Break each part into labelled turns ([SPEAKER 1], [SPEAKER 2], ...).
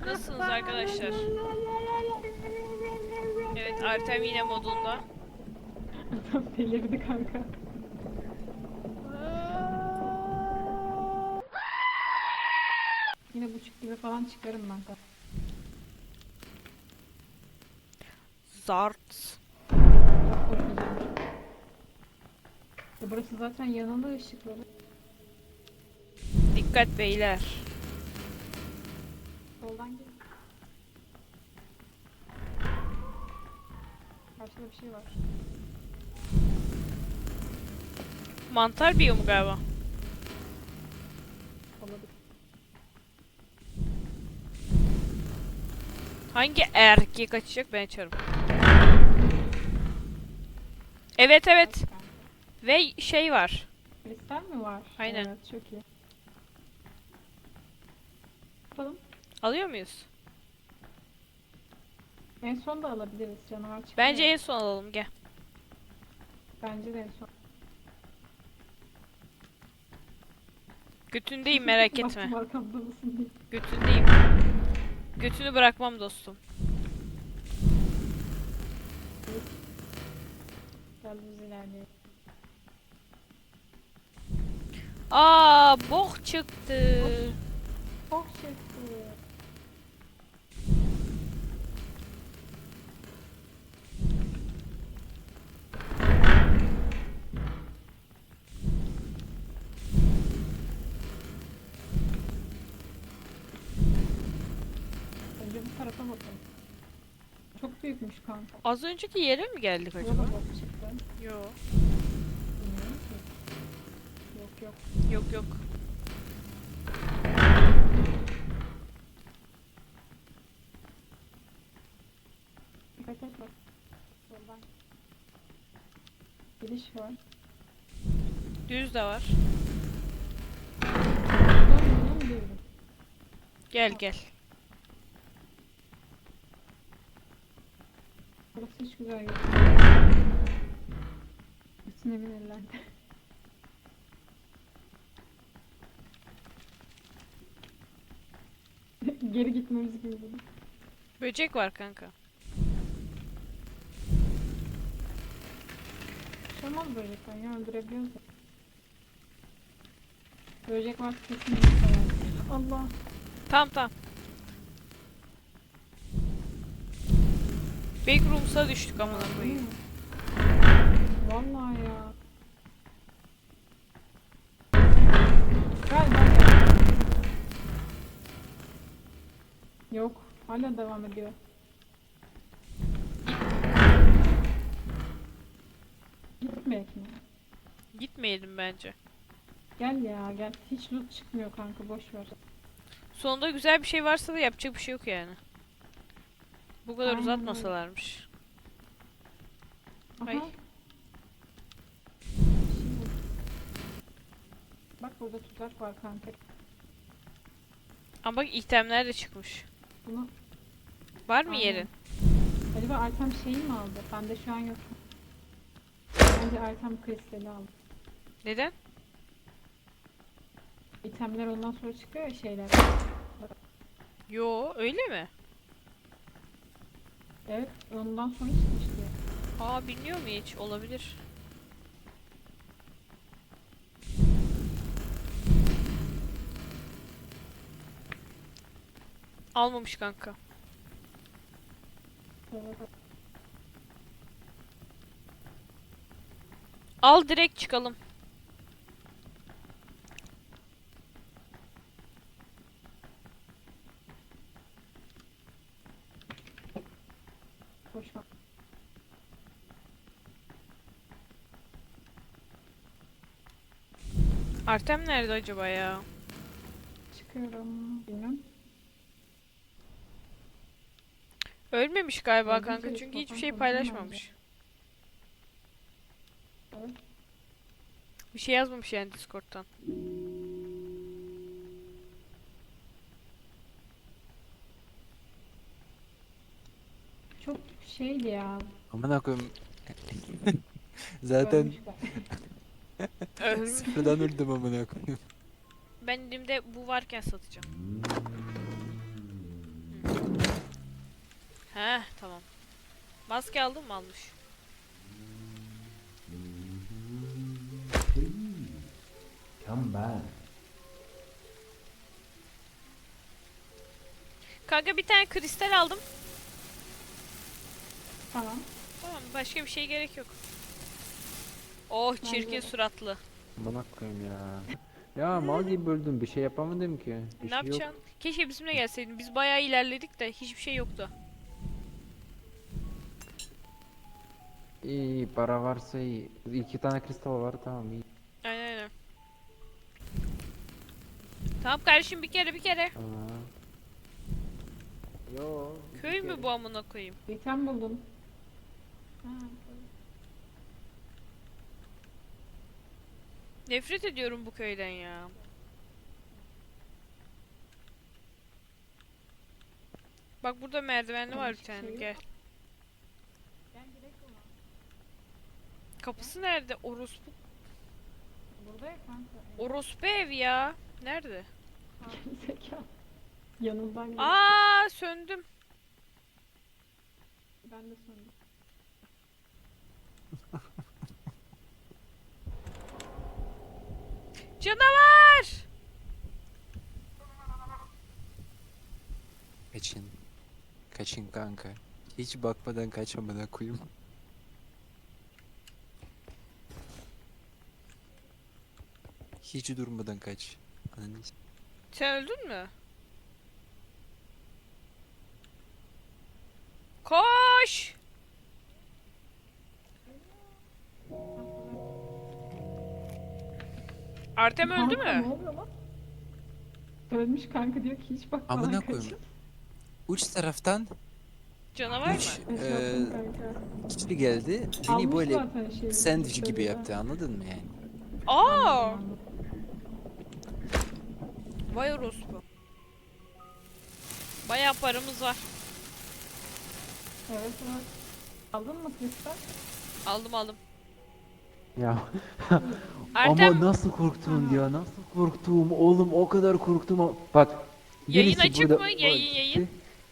[SPEAKER 1] Nasılsınız arkadaşlar? Evet, Artem yine modunda.
[SPEAKER 2] Adam delirdi kanka. Yine buçuk gibi falan çıkarım ben kanka.
[SPEAKER 1] Zart.
[SPEAKER 2] Çok korkacağım. Burası zaten yanında ışıkları.
[SPEAKER 1] Dikkat beyler.
[SPEAKER 2] Soldan gel. Karşıda bir şey var.
[SPEAKER 1] Mantar biyomu galiba.
[SPEAKER 2] Olabilir.
[SPEAKER 1] Hangi erkek kaçacak ben açarım. Evet evet.
[SPEAKER 2] Kanka.
[SPEAKER 1] Ve şey var.
[SPEAKER 2] Kristal mi var?
[SPEAKER 1] Aynen.
[SPEAKER 2] Evet, çok iyi. Yapalım.
[SPEAKER 1] Alıyor muyuz?
[SPEAKER 2] En son da alabiliriz. Canavar çıkıyor.
[SPEAKER 1] Bence en son alalım gel.
[SPEAKER 2] Bence de en son.
[SPEAKER 1] Götündeyim merak etme.
[SPEAKER 2] Baktım arkamda mısın diye.
[SPEAKER 1] Götündeyim. Götünü bırakmam dostum.
[SPEAKER 2] Gel biz ilerleyelim.
[SPEAKER 1] Aa, bok çıktı.
[SPEAKER 2] Çok şıktı. Önce bu tarafa bakalım. Çok büyükmüş kanka.
[SPEAKER 1] Az önceki yere mi geldik
[SPEAKER 2] Burada
[SPEAKER 1] acaba?
[SPEAKER 2] da bok çıktı.
[SPEAKER 1] Yo.
[SPEAKER 2] Bilmiyorum ki. Yok yok.
[SPEAKER 1] Yok yok.
[SPEAKER 2] Dikkat et bak. Soldan. Giriş var.
[SPEAKER 1] Düz de var.
[SPEAKER 2] Buradan girdim.
[SPEAKER 1] Gel gel.
[SPEAKER 2] Burası hiç güzel yok. Bütün evin ellendi. Geri gitmemiz gibi dedi.
[SPEAKER 1] Böcek var kanka.
[SPEAKER 2] Şamaz böcekten ya öldürebiliyoruz ya. Böcek var kesinlikle var. Allah.
[SPEAKER 1] Tamam tamam. Backrooms'a düştük amına koyayım.
[SPEAKER 2] Vallahi ya. Gel. Yok. Hala devam ediyor. Gitmeyek mi?
[SPEAKER 1] Gitmeyelim bence.
[SPEAKER 2] Gel ya gel. Hiç loot çıkmıyor kanka boş ver.
[SPEAKER 1] Sonunda güzel bir şey varsa da yapacak bir şey yok yani. Bu kadar
[SPEAKER 2] Aynen
[SPEAKER 1] uzatmasalarmış.
[SPEAKER 2] Aha.
[SPEAKER 1] Ay.
[SPEAKER 2] Bir şey buldum. Bak burada tuzak var kanka.
[SPEAKER 1] Ama bak itemler de çıkmış.
[SPEAKER 2] Bunu
[SPEAKER 1] Var mı
[SPEAKER 2] aynen.
[SPEAKER 1] yerin?
[SPEAKER 2] Acaba Artem şeyi mi aldı? Bende şu an yok. Bence Artem kristali aldı.
[SPEAKER 1] Neden?
[SPEAKER 2] İtemler ondan sonra çıkıyor ya şeyler.
[SPEAKER 1] Yo, öyle mi?
[SPEAKER 2] Evet ondan sonra çıkmıştı ya.
[SPEAKER 1] Aa, bilmiyor mu hiç? Olabilir. Almamış kanka.
[SPEAKER 2] Evet.
[SPEAKER 1] Al direkt çıkalım.
[SPEAKER 2] Boş ver.
[SPEAKER 1] Artem nerede acaba ya?
[SPEAKER 2] Çıkıyorum. Bilmem.
[SPEAKER 1] Ölmemiş galiba
[SPEAKER 2] Öldüyse
[SPEAKER 1] kanka
[SPEAKER 2] hiç
[SPEAKER 1] çünkü hiçbir
[SPEAKER 2] bakan
[SPEAKER 1] şey
[SPEAKER 2] konuşamam
[SPEAKER 1] paylaşmamış.
[SPEAKER 2] Evet.
[SPEAKER 1] Bir şey yazmamış yani Discord'dan.
[SPEAKER 2] Çok şeydi ya.
[SPEAKER 3] Amına koyayım. Zaten
[SPEAKER 2] Ölmüşler.
[SPEAKER 1] Ölmüş.
[SPEAKER 3] sıfırdan öldüm amına koyayım.
[SPEAKER 1] Ben elimde bu varken satacağım. He tamam. Maske aldın mı? Almış.
[SPEAKER 4] Come back.
[SPEAKER 1] Kanka bir tane kristal aldım.
[SPEAKER 2] Tamam.
[SPEAKER 1] Tamam başka bir şey gerek yok. Oh çirkin
[SPEAKER 2] de.
[SPEAKER 1] suratlı.
[SPEAKER 3] Bana koyayım ya. Ya mal gibi böldüm, bir şey yapamadım ki. Bir
[SPEAKER 1] Ne
[SPEAKER 3] şey yok.
[SPEAKER 1] yapacaksın? Keşke bizimle gelseydin. Biz bayağı ilerledik de hiçbir şey yoktu.
[SPEAKER 3] İyi, para varsa iyi. 2 tane kristal var, tamam iyi.
[SPEAKER 1] Aynen aynen. Tamam kardeşim bir kere.
[SPEAKER 3] Tamam. Yo.
[SPEAKER 1] Köy mü bu amına koyayım?
[SPEAKER 2] İtem buldum. Ha,
[SPEAKER 1] Nefret ediyorum bu köyden ya. Bak burada merdivenli var bir
[SPEAKER 2] Hiçbir
[SPEAKER 1] tane
[SPEAKER 2] şey yok.
[SPEAKER 1] gel. Kapısı nerede? Orospu.
[SPEAKER 2] burada ya kanka.
[SPEAKER 1] Orospu ev ya. Nerede?
[SPEAKER 2] Zeka. Yanından geçti.
[SPEAKER 1] Aa söndüm.
[SPEAKER 2] Ben de söndüm.
[SPEAKER 1] Canavar!
[SPEAKER 3] Kaçın. Kaçın kanka. Hiç bakmadan kaçmamına koyayım. Hiç durmadan kaç. Ananı s-
[SPEAKER 1] Sen öldün mü? Koş! Artem öldü
[SPEAKER 2] Kanka,
[SPEAKER 1] mü?
[SPEAKER 2] Ne oluyor lan? Ölmüş kanka diyor ki hiç bakmadan
[SPEAKER 3] Amına
[SPEAKER 2] kaçın.
[SPEAKER 3] koyayım. Uç taraftan
[SPEAKER 1] Canavar
[SPEAKER 3] üç
[SPEAKER 1] mı?
[SPEAKER 2] Yaşasın kanka.
[SPEAKER 3] kişi geldi. Beni
[SPEAKER 2] Almış
[SPEAKER 3] böyle
[SPEAKER 2] zaten şeyi,
[SPEAKER 3] sandviç gibi
[SPEAKER 2] şöyle.
[SPEAKER 3] yaptı, anladın mı yani?
[SPEAKER 1] Aa!
[SPEAKER 2] Anladım.
[SPEAKER 1] Vay orospu. Bayağı paramız var.
[SPEAKER 2] Evet evet. Aldın mı kristal?
[SPEAKER 1] Aldım.
[SPEAKER 3] Ya
[SPEAKER 1] Artem
[SPEAKER 3] ama nasıl korktum
[SPEAKER 2] Aha.
[SPEAKER 3] ya, nasıl korktum oğlum, o kadar korktum. Bak
[SPEAKER 1] Yayın
[SPEAKER 3] birisi
[SPEAKER 1] açık
[SPEAKER 3] burada-
[SPEAKER 1] mı? Yayın.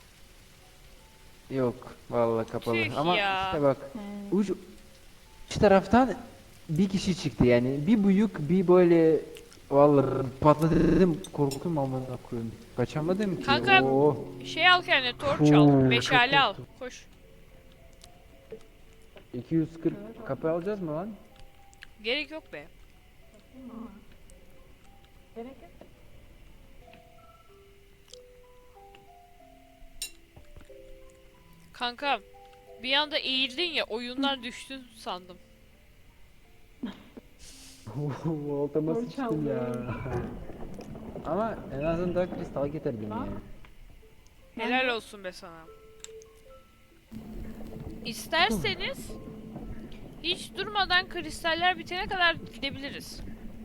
[SPEAKER 3] Yok vallahi kapalı
[SPEAKER 1] Tüh
[SPEAKER 3] ama
[SPEAKER 1] ya.
[SPEAKER 3] işte bak
[SPEAKER 2] He.
[SPEAKER 3] uç şu taraftan bir kişi çıktı yani, bir büyük bir böyle, vallahi patladım, korktum amına koyayım, kaçamadım ki.
[SPEAKER 1] Kanka,
[SPEAKER 3] Oo.
[SPEAKER 1] şey al kendine torç al.
[SPEAKER 3] Çok
[SPEAKER 1] Meşale al.
[SPEAKER 3] korktum.
[SPEAKER 1] Koş.
[SPEAKER 3] 240 kapı alacağız mı lan?
[SPEAKER 1] Gerek yok be.
[SPEAKER 2] Ama. Gerek yok.
[SPEAKER 1] Kanka bir anda eğildin ya oyundan düştün sandım.
[SPEAKER 3] Voltama
[SPEAKER 2] Torç
[SPEAKER 3] sıçtım
[SPEAKER 2] aldı.
[SPEAKER 3] ya. Ama en azından kristal getirdim
[SPEAKER 2] Lan.
[SPEAKER 3] ya.
[SPEAKER 1] Helal olsun be sana. İsterseniz hiç durmadan kristaller bitene kadar gidebiliriz.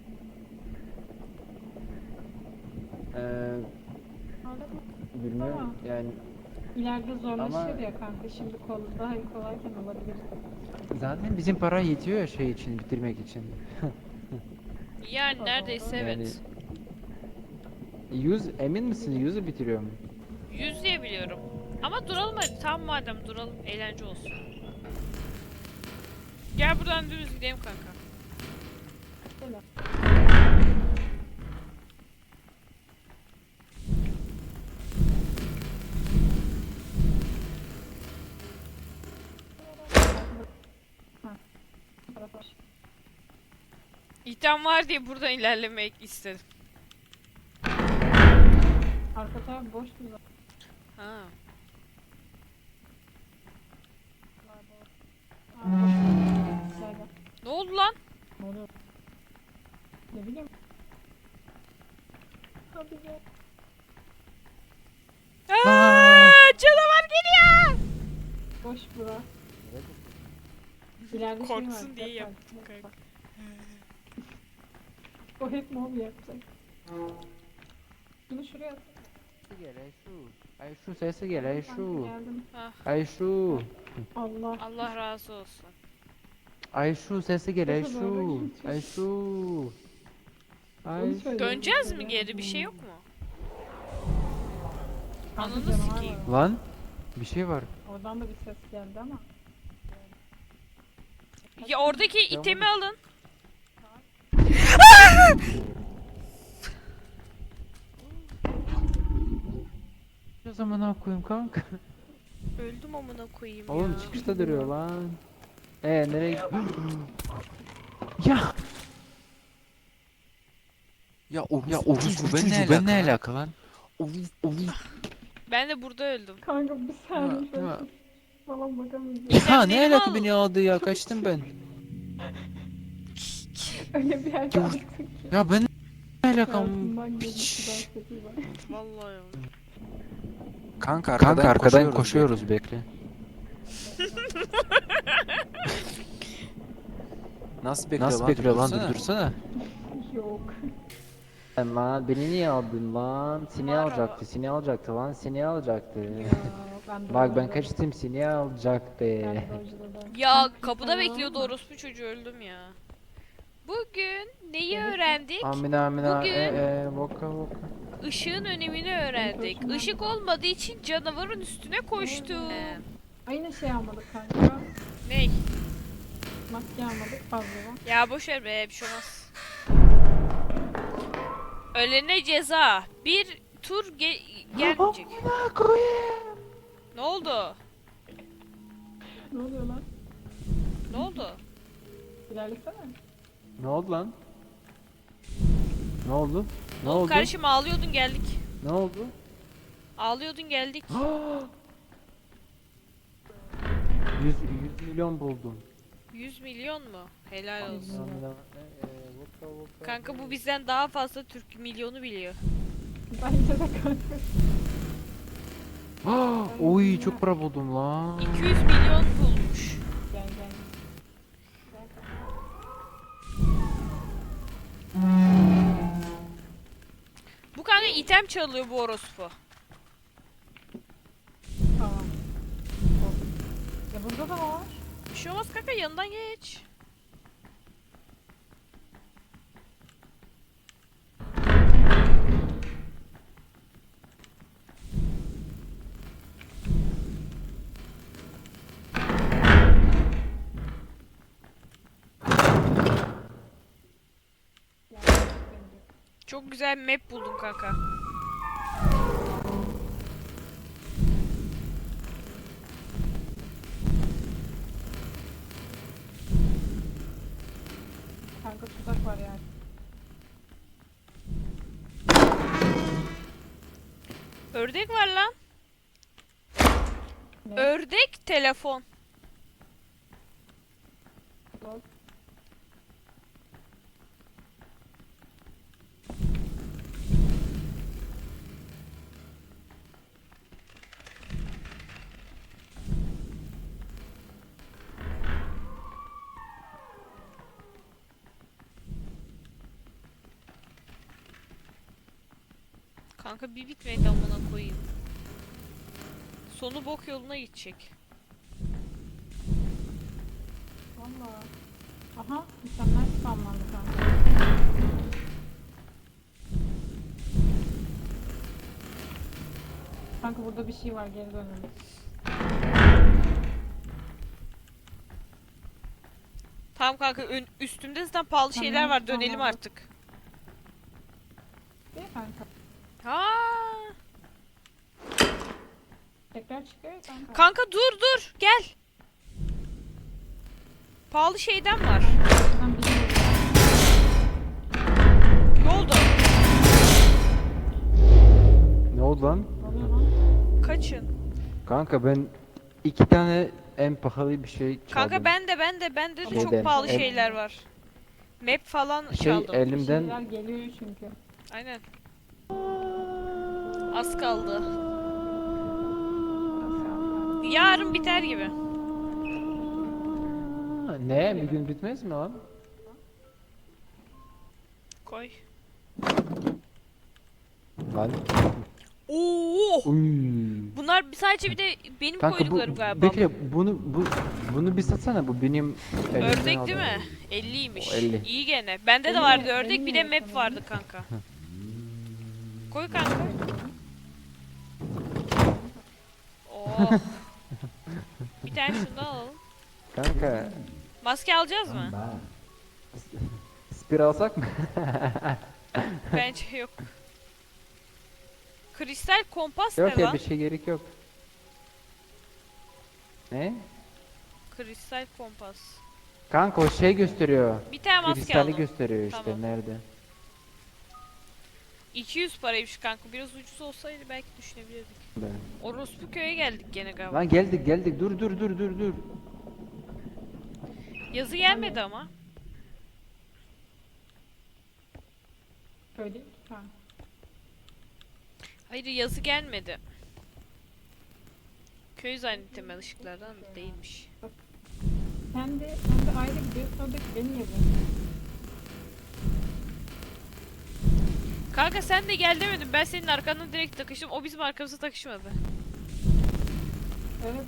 [SPEAKER 2] Anladın mı?
[SPEAKER 3] Bilmiyorum
[SPEAKER 2] Tamam.
[SPEAKER 3] yani,
[SPEAKER 2] İleride zorlaşır
[SPEAKER 3] Ama-
[SPEAKER 2] ya kanka. Şimdi daha kolayken olabilir.
[SPEAKER 3] zaten bizim para yetiyor ya şey için, bitirmek için.
[SPEAKER 1] Yani
[SPEAKER 2] Aa,
[SPEAKER 1] neredeyse
[SPEAKER 2] doğru.
[SPEAKER 1] evet.
[SPEAKER 3] 100 emin misin? 100'ü bitiriyorum.
[SPEAKER 1] 100 diye biliyorum. Ama duralım hadi. Tamam madem duralım. Eğlence olsun. Gel buradan dümdüz gidelim kanka.
[SPEAKER 2] Böyle. Ha. Bu tarafa.
[SPEAKER 1] İhtiam var diye buradan ilerlemek istedim.
[SPEAKER 2] Arka taraf boş mu zaten?
[SPEAKER 1] Ha.
[SPEAKER 2] Gel gel.
[SPEAKER 1] Ne oldu lan?
[SPEAKER 2] Ne oluyor? Ne bileyim. Hadi gel.
[SPEAKER 1] Aa, canavar geliyor.
[SPEAKER 2] Boş bura. İleride şey var.
[SPEAKER 1] Korksun diye
[SPEAKER 2] dikkat
[SPEAKER 1] yaptım
[SPEAKER 2] et.
[SPEAKER 1] kanka.
[SPEAKER 2] Bak. O hep mob yapacak. Bunu şuraya at.
[SPEAKER 3] Gel Ayşu. Ayşu sesi gel Ayşu.
[SPEAKER 2] Geldim.
[SPEAKER 1] Ah,
[SPEAKER 3] Ayşu.
[SPEAKER 2] Allah.
[SPEAKER 1] Allah razı olsun.
[SPEAKER 3] Ayşu sesi gel
[SPEAKER 2] Sesi doğru
[SPEAKER 3] Ayşu.
[SPEAKER 2] gidiyor.
[SPEAKER 3] Ayşu.
[SPEAKER 2] Onu
[SPEAKER 3] Ayşu.
[SPEAKER 2] söyle.
[SPEAKER 1] Döneceğiz mi geri? Bir şey yok mu?
[SPEAKER 2] Kanka
[SPEAKER 1] Ananı
[SPEAKER 2] canavar
[SPEAKER 1] sikeyim.
[SPEAKER 2] var.
[SPEAKER 3] Lan Bir şey var.
[SPEAKER 2] Oradan da bir ses geldi ama.
[SPEAKER 1] Ya oradaki
[SPEAKER 3] Devam
[SPEAKER 1] itemi
[SPEAKER 3] et.
[SPEAKER 1] alın.
[SPEAKER 3] O zaman ne koyayım kanka?
[SPEAKER 1] Öldüm amına koyayım
[SPEAKER 3] Oğlum
[SPEAKER 1] ya.
[SPEAKER 3] çıkışta duruyor lan. Nereye Ya
[SPEAKER 5] Ya orospu ben ne alaka lan?
[SPEAKER 1] Ben de burada öldüm.
[SPEAKER 2] Kanka bir saniye
[SPEAKER 3] Ya, ya.
[SPEAKER 2] şöyle. Falan bakamayacağım.
[SPEAKER 5] Ya ne
[SPEAKER 1] İtemlerimi
[SPEAKER 5] alaka
[SPEAKER 1] al.
[SPEAKER 5] beni aldı ya kaçtım ben.
[SPEAKER 2] Öyle bir yerde
[SPEAKER 5] Ya-
[SPEAKER 2] açtın ki.
[SPEAKER 5] Ya ben ne alakam?
[SPEAKER 2] Hayatımdan
[SPEAKER 5] Piç.
[SPEAKER 2] gelişti dans ediyor.
[SPEAKER 1] Vallahi ya.
[SPEAKER 5] Kanka
[SPEAKER 3] Kanka arkadan
[SPEAKER 5] koşuyoruz
[SPEAKER 3] koşuyoruz bekle.
[SPEAKER 5] Nasıl bekliyor
[SPEAKER 3] Nasıl
[SPEAKER 5] lan?
[SPEAKER 3] bekliyor lan
[SPEAKER 5] Dursana.
[SPEAKER 3] dur dursana.
[SPEAKER 2] Yok.
[SPEAKER 3] Lan beni niye aldın lan? Seni
[SPEAKER 1] Mara.
[SPEAKER 3] alacaktı, seni alacaktı lan, seni alacaktı.
[SPEAKER 2] Ya ben de
[SPEAKER 3] Bak ben
[SPEAKER 2] öyle.
[SPEAKER 3] kaçtım seni alacaktı.
[SPEAKER 2] Ben de öyle.
[SPEAKER 1] Ya
[SPEAKER 2] Kanka,
[SPEAKER 1] kapıda
[SPEAKER 2] sen
[SPEAKER 1] bekliyordu
[SPEAKER 2] var mı?
[SPEAKER 1] orospu çocuğu, öldüm ya. Bugün neyi
[SPEAKER 2] Evet.
[SPEAKER 1] öğrendik?
[SPEAKER 3] Amina amina
[SPEAKER 1] Bugün-
[SPEAKER 3] voka voka.
[SPEAKER 1] Işığın önemini öğrendik.
[SPEAKER 2] Hoşuma
[SPEAKER 1] Işık olmadığı için canavarın üstüne koştum.
[SPEAKER 2] Aynı şey almadık kanka.
[SPEAKER 1] Ney?
[SPEAKER 2] Maske almadık fazla.
[SPEAKER 1] Ya boşver be, bir şey olmaz. Ölene ceza. Bir tur gelmeyecek. Ne oldu?
[SPEAKER 2] Ne oluyor lan?
[SPEAKER 1] Ne oldu?
[SPEAKER 2] İlerlesene.
[SPEAKER 3] Ne oldu lan? Ne oldu? Ne
[SPEAKER 1] Oğlum
[SPEAKER 3] oldu?
[SPEAKER 1] kardeşim ağlıyordun geldik.
[SPEAKER 3] Ne oldu?
[SPEAKER 1] Ağlıyordun geldik.
[SPEAKER 3] 100 milyon buldum.
[SPEAKER 1] 100 milyon mu? Helal olsun.
[SPEAKER 3] Amina, voka voka.
[SPEAKER 1] Kanka bu bizden daha fazla Türk milyonu biliyor.
[SPEAKER 2] Bence de kanka.
[SPEAKER 3] Oy çok para buldum lan.
[SPEAKER 1] 200 milyon bulmuş.
[SPEAKER 2] Gel gel.
[SPEAKER 1] Bu kanka item çalıyor bu orospu.
[SPEAKER 2] Tamam. Ya burada da var.
[SPEAKER 1] Bir şey olmaz kanka, yanından geç. Çok güzel bir map buldum kanka.
[SPEAKER 2] Kanka tuzak var yani.
[SPEAKER 1] Ördek var lan.
[SPEAKER 2] Ne?
[SPEAKER 1] Ördek telefon.
[SPEAKER 2] Lol.
[SPEAKER 1] Kanka bir bitmedi amına koyayım. Sonu bok yoluna gidecek.
[SPEAKER 2] Valla. Aha mükemmel spamlandı kanka. Kanka burada bir şey var, geri dönelim.
[SPEAKER 1] Tamam kanka, üstümde zaten pahalı
[SPEAKER 2] Tamam,
[SPEAKER 1] şeyler var, dönelim
[SPEAKER 2] tamam.
[SPEAKER 1] artık.
[SPEAKER 2] Değil mi kanka?
[SPEAKER 1] Ha.
[SPEAKER 2] Tekrar çıkıyor ya kanka.
[SPEAKER 1] Kanka dur gel. Pahalı şeyden var.
[SPEAKER 2] Şuradan biri geliyor.
[SPEAKER 1] Ne oldu?
[SPEAKER 3] Ne oldu lan?
[SPEAKER 2] Ne oluyor lan?
[SPEAKER 1] Kaçın.
[SPEAKER 3] Kanka ben 2 tane en pahalı bir şey çaldım.
[SPEAKER 1] Kanka ben de çok
[SPEAKER 3] Şeyden,
[SPEAKER 1] pahalı
[SPEAKER 3] el-
[SPEAKER 1] şeyler var. Map falan
[SPEAKER 3] şey
[SPEAKER 1] çaldım.
[SPEAKER 2] Bir
[SPEAKER 3] elimden
[SPEAKER 2] şeyler geliyor çünkü.
[SPEAKER 1] Aynen. Az kaldı. Yarın biter gibi.
[SPEAKER 3] ne bir gün bitmez mi lan?
[SPEAKER 1] Koy.
[SPEAKER 3] Lan.
[SPEAKER 1] Oo!
[SPEAKER 3] Uy.
[SPEAKER 1] Bunlar sadece bir de benim
[SPEAKER 3] Kanka
[SPEAKER 1] koyduklarım
[SPEAKER 3] bu
[SPEAKER 1] galiba.
[SPEAKER 3] bekle bunu bir satsana, bu benim elimden
[SPEAKER 1] Ördek değil
[SPEAKER 3] aldığım.
[SPEAKER 1] mi? 50'ymiş.
[SPEAKER 3] O 50.
[SPEAKER 1] İyi gene. Bende de
[SPEAKER 2] 50
[SPEAKER 1] vardı
[SPEAKER 2] mi?
[SPEAKER 1] ördek,
[SPEAKER 2] 50
[SPEAKER 1] bir de
[SPEAKER 2] mi
[SPEAKER 1] map
[SPEAKER 2] sana?
[SPEAKER 1] vardı kanka. Koy kanka. Oo. Oh. Bir tane şundan alalım.
[SPEAKER 3] Kanka
[SPEAKER 1] Maske alacağız
[SPEAKER 4] Tam
[SPEAKER 1] mı?
[SPEAKER 4] ben.
[SPEAKER 3] spir alsak mı?
[SPEAKER 1] Bence yok. Kristal kompas
[SPEAKER 3] Yok
[SPEAKER 1] ne
[SPEAKER 3] ya
[SPEAKER 1] lan?
[SPEAKER 3] bir şey gerek yok. Ne?
[SPEAKER 1] Kristal kompas.
[SPEAKER 3] Kanka o şey gösteriyor.
[SPEAKER 1] Bir tane maske
[SPEAKER 3] Kristali
[SPEAKER 1] aldım.
[SPEAKER 3] gösteriyor işte
[SPEAKER 1] Tamam.
[SPEAKER 3] nerede?
[SPEAKER 1] 200 paraymış kanka. Biraz ucuz olsaydı belki düşünebilirdik.
[SPEAKER 3] Ben.
[SPEAKER 1] Orospu köye geldik gene galiba.
[SPEAKER 3] Lan geldik dur.
[SPEAKER 1] Yazı gelmedi ama.
[SPEAKER 2] Öyle ki kanka.
[SPEAKER 1] Hayır yazı gelmedi. Köy zannettim ben ışıklardan da değilmiş.
[SPEAKER 2] Sen de ayrı gidiyor. Sonra da beni yazıyor.
[SPEAKER 1] Kanka sen de gel demedin. Ben senin arkandan direkt takıştım. O bizim arkamıza takışmadı.
[SPEAKER 2] Evet.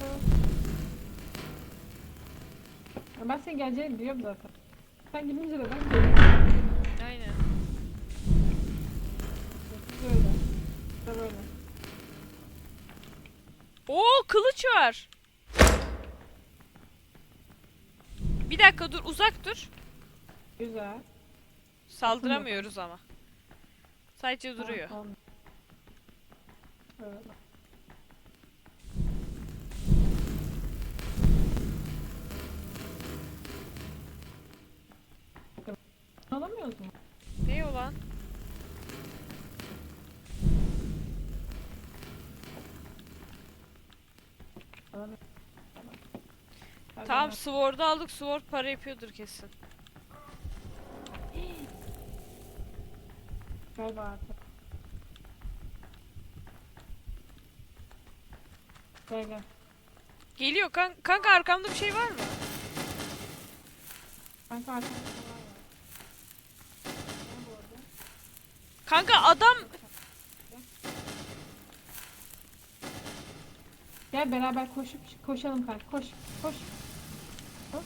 [SPEAKER 2] Ya ben senin geleceğini biliyorum zaten. Sen gidince de ben geliyorum.
[SPEAKER 1] Aynen.
[SPEAKER 2] Böyle. İşte böyle.
[SPEAKER 1] Oo kılıç var. Bir dakika dur uzak dur.
[SPEAKER 2] Güzel.
[SPEAKER 1] Saldıramıyoruz ama. Sadece duruyor.
[SPEAKER 2] Tamam. Evet. Alamıyoruz mu?
[SPEAKER 1] Ne o lan?
[SPEAKER 2] Alamıyoruz.
[SPEAKER 1] Tamam Sword'u aldık. Sword para yapıyordur kesin.
[SPEAKER 2] Galiba artık. Gel.
[SPEAKER 1] Geliyor kanka arkamda bir şey var mı?
[SPEAKER 2] Kanka arkamda bir şey var. Ne bu arada?
[SPEAKER 1] Kanka adam
[SPEAKER 2] Gel beraber koşalım kanka. Koş. Koş. Koş.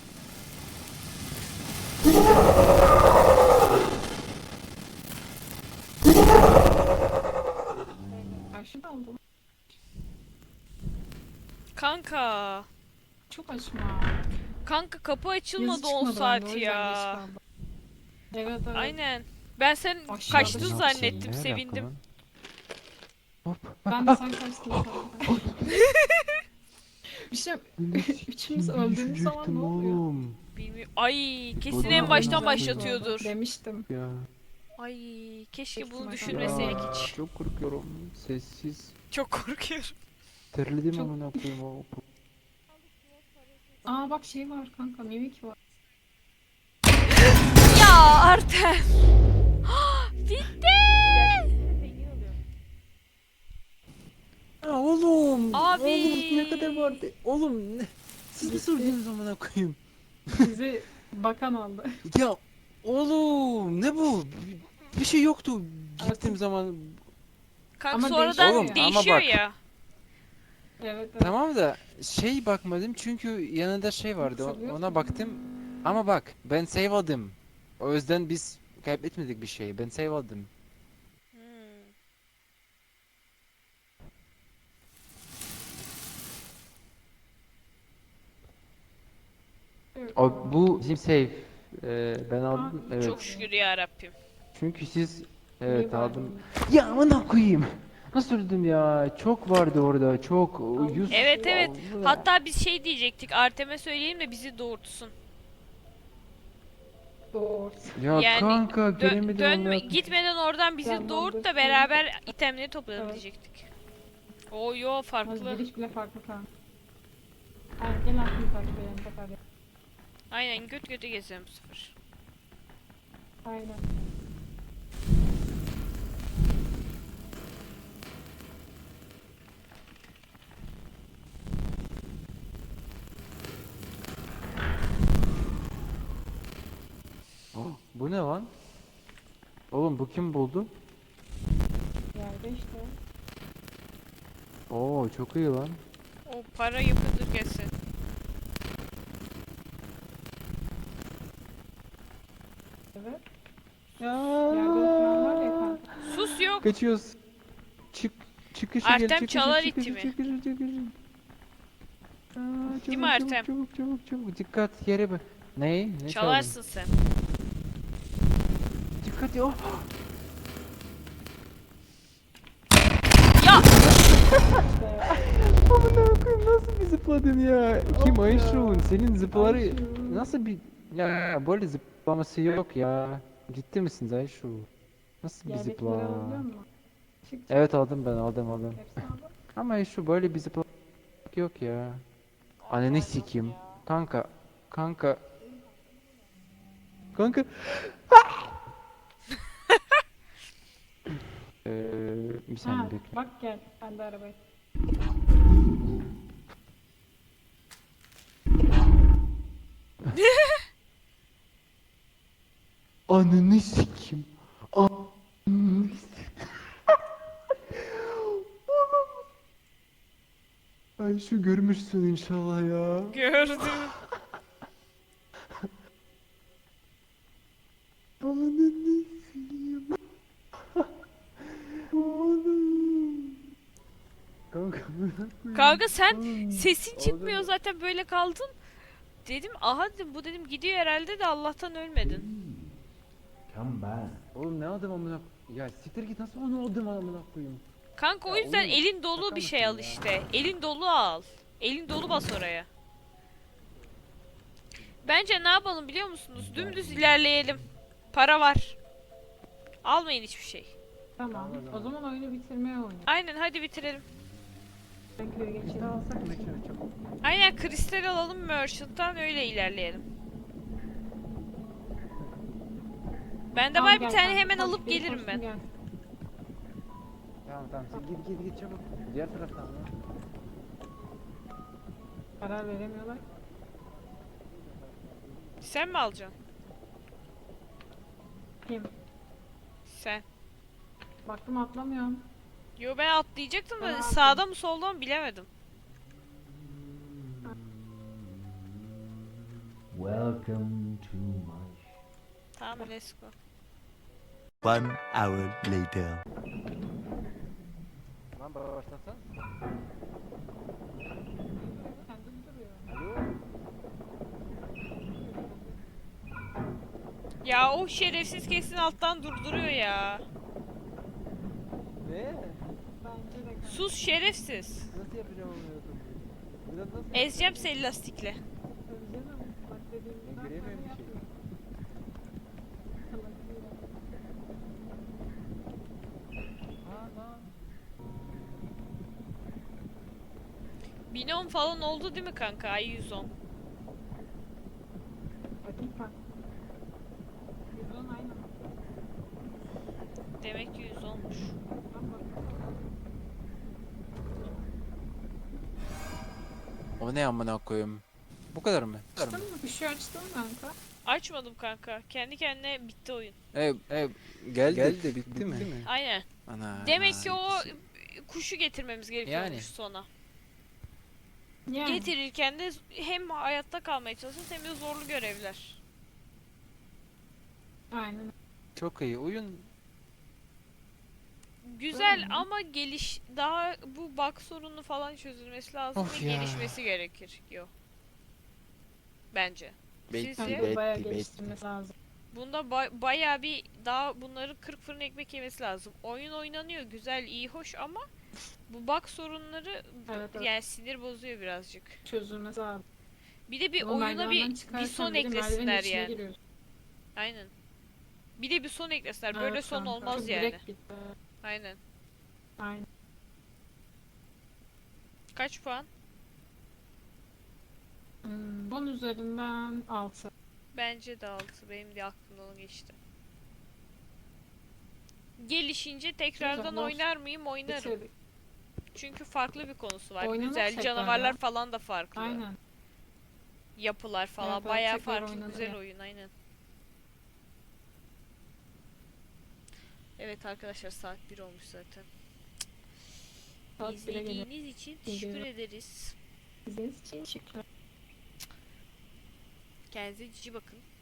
[SPEAKER 2] Karşıda aldım.
[SPEAKER 1] kanka.
[SPEAKER 2] Çok açma.
[SPEAKER 1] Kanka kapı
[SPEAKER 2] Yazı
[SPEAKER 1] açılmadı 10
[SPEAKER 2] çıkmadı bende, o
[SPEAKER 1] saat
[SPEAKER 2] yüzden geç
[SPEAKER 1] ya.
[SPEAKER 2] kaldım. Evet.
[SPEAKER 1] Aynen. Ben sen
[SPEAKER 2] Aşağıda
[SPEAKER 1] kaçtın
[SPEAKER 2] çok
[SPEAKER 1] zannettim,
[SPEAKER 3] Ne alaka
[SPEAKER 1] sevindim.
[SPEAKER 3] lan? Hop.
[SPEAKER 2] Ben de sen kaçtın sandım. Bir şey üçümüz öldüğümüz zaman ne oluyor?
[SPEAKER 3] Oğlum.
[SPEAKER 1] Bilmiyorum. Ay kesin
[SPEAKER 3] Bu
[SPEAKER 1] en
[SPEAKER 3] da
[SPEAKER 1] baştan
[SPEAKER 3] olmaz
[SPEAKER 1] başlatıyordur.
[SPEAKER 2] Demiştim.
[SPEAKER 3] Ya.
[SPEAKER 1] Ay keşke
[SPEAKER 2] Kesin
[SPEAKER 1] bunu
[SPEAKER 2] baştan
[SPEAKER 1] düşünmeseydik
[SPEAKER 3] Ya,
[SPEAKER 1] hiç.
[SPEAKER 3] çok korkuyorum. Sessiz.
[SPEAKER 1] Çok korkuyorum.
[SPEAKER 3] Terledim
[SPEAKER 2] Çok-
[SPEAKER 3] amına koyayım o.
[SPEAKER 2] Aa bak şey var kanka, mimik var.
[SPEAKER 1] Ya Artem. Bitti.
[SPEAKER 3] Ya oğlum.
[SPEAKER 1] Abi.
[SPEAKER 3] Oğlum ne kadar vardı? Oğlum ne? Siz mi sordunuz amına koyayım?
[SPEAKER 2] Bizi bakan aldı.
[SPEAKER 3] Ya oğlum ne bu? Bir şey yoktu. Gittiğim zaman.
[SPEAKER 1] Kanka
[SPEAKER 2] Ama
[SPEAKER 1] sonradan
[SPEAKER 2] değişiyor ya.
[SPEAKER 1] değişiyor
[SPEAKER 3] Ama bak.
[SPEAKER 1] ya.
[SPEAKER 2] Evet.
[SPEAKER 3] Tamam da şey bakmadım çünkü yanında şey vardı.
[SPEAKER 2] Hatırlıyorsun.
[SPEAKER 3] Ona baktım. Ama bak ben save aldım. O yüzden biz kaybetmedik bir şey. Ben save aldım.
[SPEAKER 1] Hmm.
[SPEAKER 3] O bu bizim save. Ben aldım.
[SPEAKER 2] Aa,
[SPEAKER 3] Evet.
[SPEAKER 1] Çok şükür ya Rabbim.
[SPEAKER 3] Çünkü siz
[SPEAKER 2] İyi
[SPEAKER 3] evet
[SPEAKER 2] bari.
[SPEAKER 3] aldım. Ya amına koyayım. Nasıl öldüm ya? Çok vardı orada. Çok. Yüz.
[SPEAKER 1] Evet evet.
[SPEAKER 3] Allah.
[SPEAKER 1] Hatta biz şey diyecektik. Artem'e söyleyelim de bizi doğurtsun.
[SPEAKER 2] Doğru.
[SPEAKER 3] Ya
[SPEAKER 1] Yani
[SPEAKER 3] kanka göremedim amına koyayım.
[SPEAKER 1] Gitmeden oradan bizi
[SPEAKER 2] Tamam,
[SPEAKER 1] doğurt da
[SPEAKER 2] dur.
[SPEAKER 1] beraber itemleri toplayalım
[SPEAKER 2] Evet.
[SPEAKER 1] diyecektik. Oo yo
[SPEAKER 2] Az
[SPEAKER 1] farklı.
[SPEAKER 2] giriş bile farklı kanka. Aynen gel aklını takip edelim tekrar.
[SPEAKER 1] Aynen göt göte gezelim bu sefer.
[SPEAKER 2] Aynen.
[SPEAKER 3] Oh, bu ne lan? Oğlum bu kim buldu?
[SPEAKER 2] Yerde işte.
[SPEAKER 3] Oo çok iyi lan.
[SPEAKER 1] O para yapıdır kesin.
[SPEAKER 2] Evet.
[SPEAKER 3] Ya.
[SPEAKER 2] Yerde oturan var ya kanka.
[SPEAKER 1] Sus yok.
[SPEAKER 3] Kaçıyoruz. Çıkışa
[SPEAKER 1] Artem
[SPEAKER 3] gel çıkışa
[SPEAKER 1] çalar
[SPEAKER 3] çıkışa
[SPEAKER 1] iti mi?
[SPEAKER 3] çıkışa çıkışa.
[SPEAKER 1] Değil mi Ertem?
[SPEAKER 3] Çabuk. Dikkat yere bak. Ne? Ne
[SPEAKER 1] Çalarsın sen.
[SPEAKER 3] çaldın? Dikkat ya.
[SPEAKER 1] Ya!
[SPEAKER 3] Amına koyayım nasıl bir zıpladın ya? Kim
[SPEAKER 2] Of ya.
[SPEAKER 3] Ayşun? Senin zıpları
[SPEAKER 2] Ayşun.
[SPEAKER 3] nasıl bir ya böyle zıplaması yok ya. Ciddi misiniz Ayşu? Nasıl bir
[SPEAKER 2] Yerdekileri
[SPEAKER 3] zıpla?
[SPEAKER 2] alabiliyor musun? Çık.
[SPEAKER 3] Evet aldım ben aldım.
[SPEAKER 2] Hepsini aldım.
[SPEAKER 3] Ama Ayşu böyle bir zıpla yok ya. Ananı sikeyim. Kanka. Kanka. Bir saniye
[SPEAKER 2] Ha,
[SPEAKER 3] bekle.
[SPEAKER 2] bak gel. Ben de arabayı.
[SPEAKER 3] Ananı sikeyim. Ananı sikeyim. Ayşu görmüşsün inşallah ya.
[SPEAKER 1] Gördüm.
[SPEAKER 3] Ananı sikeyim. Oğlum. Kanka bırak beni.
[SPEAKER 1] Kanka sen sesin çıkmıyor zaten böyle kaldın. Dedim aha dedim bu dedim gidiyor herhalde de Allah'tan ölmedin.
[SPEAKER 4] Come back.
[SPEAKER 3] Oğlum ne adam amına ya siktir git nasıl onu aldım amına koyayım.
[SPEAKER 1] Kanka o
[SPEAKER 3] Ya
[SPEAKER 1] yüzden
[SPEAKER 3] oğlum,
[SPEAKER 1] elin dolu
[SPEAKER 3] şaka
[SPEAKER 1] bir şey
[SPEAKER 3] mısın
[SPEAKER 1] al
[SPEAKER 3] ya?
[SPEAKER 1] işte. Elin dolu al. Elin dolu bas oraya. Bence ne yapalım biliyor musunuz? Dümdüz ilerleyelim. Para var. Almayın hiçbir şey.
[SPEAKER 2] Tamam. O zaman oyunu bitirmeye oynayalım.
[SPEAKER 1] Aynen hadi bitirelim.
[SPEAKER 2] Ben köye geçelim.
[SPEAKER 3] alsak mı çabuk?
[SPEAKER 1] Aynen kristal alalım Merchant'tan öyle ilerleyelim. Bende
[SPEAKER 2] Tamam,
[SPEAKER 1] var bir
[SPEAKER 2] gel
[SPEAKER 1] tane
[SPEAKER 2] kanka,
[SPEAKER 1] hemen
[SPEAKER 2] koş,
[SPEAKER 1] alıp
[SPEAKER 2] beni
[SPEAKER 1] gelirim
[SPEAKER 2] koşsun,
[SPEAKER 1] ben.
[SPEAKER 2] gel.
[SPEAKER 3] Tamam sen git çabuk. Diğer taraftan mı?
[SPEAKER 2] Karar veremiyorlar.
[SPEAKER 1] Sen mi alacaksın?
[SPEAKER 2] Kim?
[SPEAKER 1] Sen.
[SPEAKER 2] Baktım atlamıyorum.
[SPEAKER 1] Yo ben atlayacaktım
[SPEAKER 2] Ben
[SPEAKER 1] da
[SPEAKER 2] aldım.
[SPEAKER 1] sağda mı solda mı bilemedim.
[SPEAKER 4] Welcome to my
[SPEAKER 1] Tamam let's go.
[SPEAKER 5] 1 hour later.
[SPEAKER 3] Lan başlasan.
[SPEAKER 2] Kendim duruyor.
[SPEAKER 3] Alo.
[SPEAKER 1] Ya o şerefsiz kesin alttan durduruyor ya.
[SPEAKER 3] Ne?
[SPEAKER 2] Bence de kanka.
[SPEAKER 1] Sus şerefsiz.
[SPEAKER 3] Nasıl yapacağım onu? Biraz nasıl
[SPEAKER 1] Ezeceğim seni lastikle.
[SPEAKER 2] Tabii canım. Bak dediğim
[SPEAKER 3] Ben
[SPEAKER 2] gibi
[SPEAKER 3] göremiyorum
[SPEAKER 2] böyle
[SPEAKER 3] bir şey.
[SPEAKER 2] yapıyor. Salak değil.
[SPEAKER 3] Aa.
[SPEAKER 1] Binom falan oldu değil mi kanka? Ay 110.
[SPEAKER 2] Bakayım bak. 110 aynı.
[SPEAKER 1] Demek ki 110'muş.
[SPEAKER 2] Ben bak.
[SPEAKER 5] O ne amına koyayım? Bu kadar mı?
[SPEAKER 2] Açtın mı? Bir şey açtın mı kanka?
[SPEAKER 1] Açmadım kanka. Kendi kendine bitti oyun.
[SPEAKER 5] Geldi bitti mi?
[SPEAKER 1] Aynen.
[SPEAKER 5] Ana.
[SPEAKER 1] Demek ki o kuşu getirmemiz gerekiyormuş
[SPEAKER 5] Yani.
[SPEAKER 1] sona.
[SPEAKER 2] Yani.
[SPEAKER 1] Getirirken de hem hayatta kalmaya çalışıyoruz hem de zorlu görevler.
[SPEAKER 2] Aynen.
[SPEAKER 5] Çok iyi oyun.
[SPEAKER 1] Güzel ama daha bu bug sorunu falan çözülmesi lazım
[SPEAKER 5] Of
[SPEAKER 1] ve
[SPEAKER 5] ya.
[SPEAKER 1] gelişmesi gerekir. Yo. Bence.
[SPEAKER 5] Bekle,
[SPEAKER 1] Sizce?
[SPEAKER 2] Kanka bayağı
[SPEAKER 5] bekle.
[SPEAKER 2] geliştirmesi lazım.
[SPEAKER 1] Bunda bayağı bir daha bunları 40 fırın ekmek yemesi lazım. Oyun oynanıyor güzel, iyi, hoş ama bu bug sorunları
[SPEAKER 2] Evet, evet.
[SPEAKER 1] yani sinir bozuyor birazcık.
[SPEAKER 2] Çözülmesi lazım.
[SPEAKER 1] Bir de bir
[SPEAKER 2] Ama
[SPEAKER 1] oyuna
[SPEAKER 2] merdivenden
[SPEAKER 1] bir
[SPEAKER 2] çıkarken
[SPEAKER 1] son
[SPEAKER 2] biri merdivenin
[SPEAKER 1] eklesinler
[SPEAKER 2] içine
[SPEAKER 1] yani.
[SPEAKER 2] giriyorsun.
[SPEAKER 1] Aynen. Bir de bir son eklesinler. Böyle
[SPEAKER 2] Evet
[SPEAKER 1] son
[SPEAKER 2] kanka,
[SPEAKER 1] olmaz
[SPEAKER 2] çok
[SPEAKER 1] yani.
[SPEAKER 2] direkt bitti.
[SPEAKER 1] Aynen.
[SPEAKER 2] Aynen.
[SPEAKER 1] Kaç puan?
[SPEAKER 2] 10 üzerinden 6.
[SPEAKER 1] Bence de 6. Benim de aklımdan o geçti. Gelişince tekrardan
[SPEAKER 2] Güzel,
[SPEAKER 1] oynar mıyım? Oynarım.
[SPEAKER 2] Bitirdik.
[SPEAKER 1] Çünkü farklı bir konusu var.
[SPEAKER 2] Oynanır
[SPEAKER 1] Güzel.
[SPEAKER 2] tekrar
[SPEAKER 1] Canavarlar
[SPEAKER 2] ya.
[SPEAKER 1] falan da farklı.
[SPEAKER 2] Aynen.
[SPEAKER 1] Yapılar falan.
[SPEAKER 2] Evet, evet,
[SPEAKER 1] Bayağı
[SPEAKER 2] tekrar
[SPEAKER 1] farklı.
[SPEAKER 2] oynanır
[SPEAKER 1] Güzel
[SPEAKER 2] ya.
[SPEAKER 1] oyun. Aynen. Evet arkadaşlar saat 1 olmuş zaten.
[SPEAKER 2] Saat 1'e geliyor.
[SPEAKER 1] İzlediğiniz için
[SPEAKER 2] Geliyor.
[SPEAKER 1] teşekkür ederiz.
[SPEAKER 2] İzlediğiniz için teşekkürler.
[SPEAKER 1] Kendinize cici bakın.